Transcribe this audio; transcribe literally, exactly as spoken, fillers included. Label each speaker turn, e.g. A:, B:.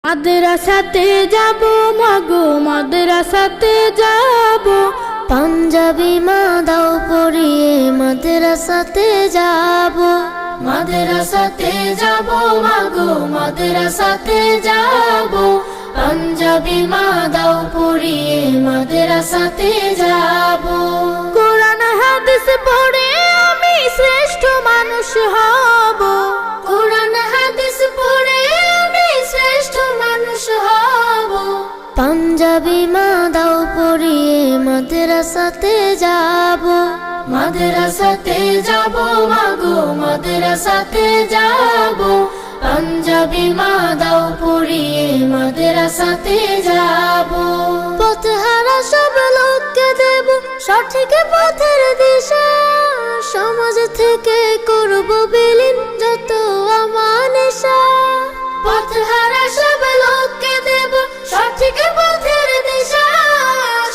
A: মাদ্রাসাতে যাব মাগো মাদ্রাসাতে যাব,
B: পাঞ্জাবি মা দাও পরিয়ে মাদ্রাসাতে যাব।
A: মাদ্রাসাতে যাব মাগো মাদ্রাসাতে যাব, পাঞ্জাবি মা দাও পরিয়ে মাদ্রাসাতে যাব। কোরআন হাদিস পড়ে আমি শ্রেষ্ঠ মানুষ হব, কোরআন হাদিস পড়ে আমি শ্রেষ্ঠ মানুষ হব।
B: পাঞ্জাবি মা দাও পরিয়ে মাদ্রাসাতে যাব।
A: মাদ্রাসাতে যাব মাগো মাদ্রাসাতে যাব, পাঞ্জাবি মা দাও পরিয়ে মাদ্রাসাতে যাব।
B: পথহারা সব লোককে দেব সঠিক পথের দিশা, সমাজ থেকে করব বিলীন যত আমানিশা।
A: পথহারা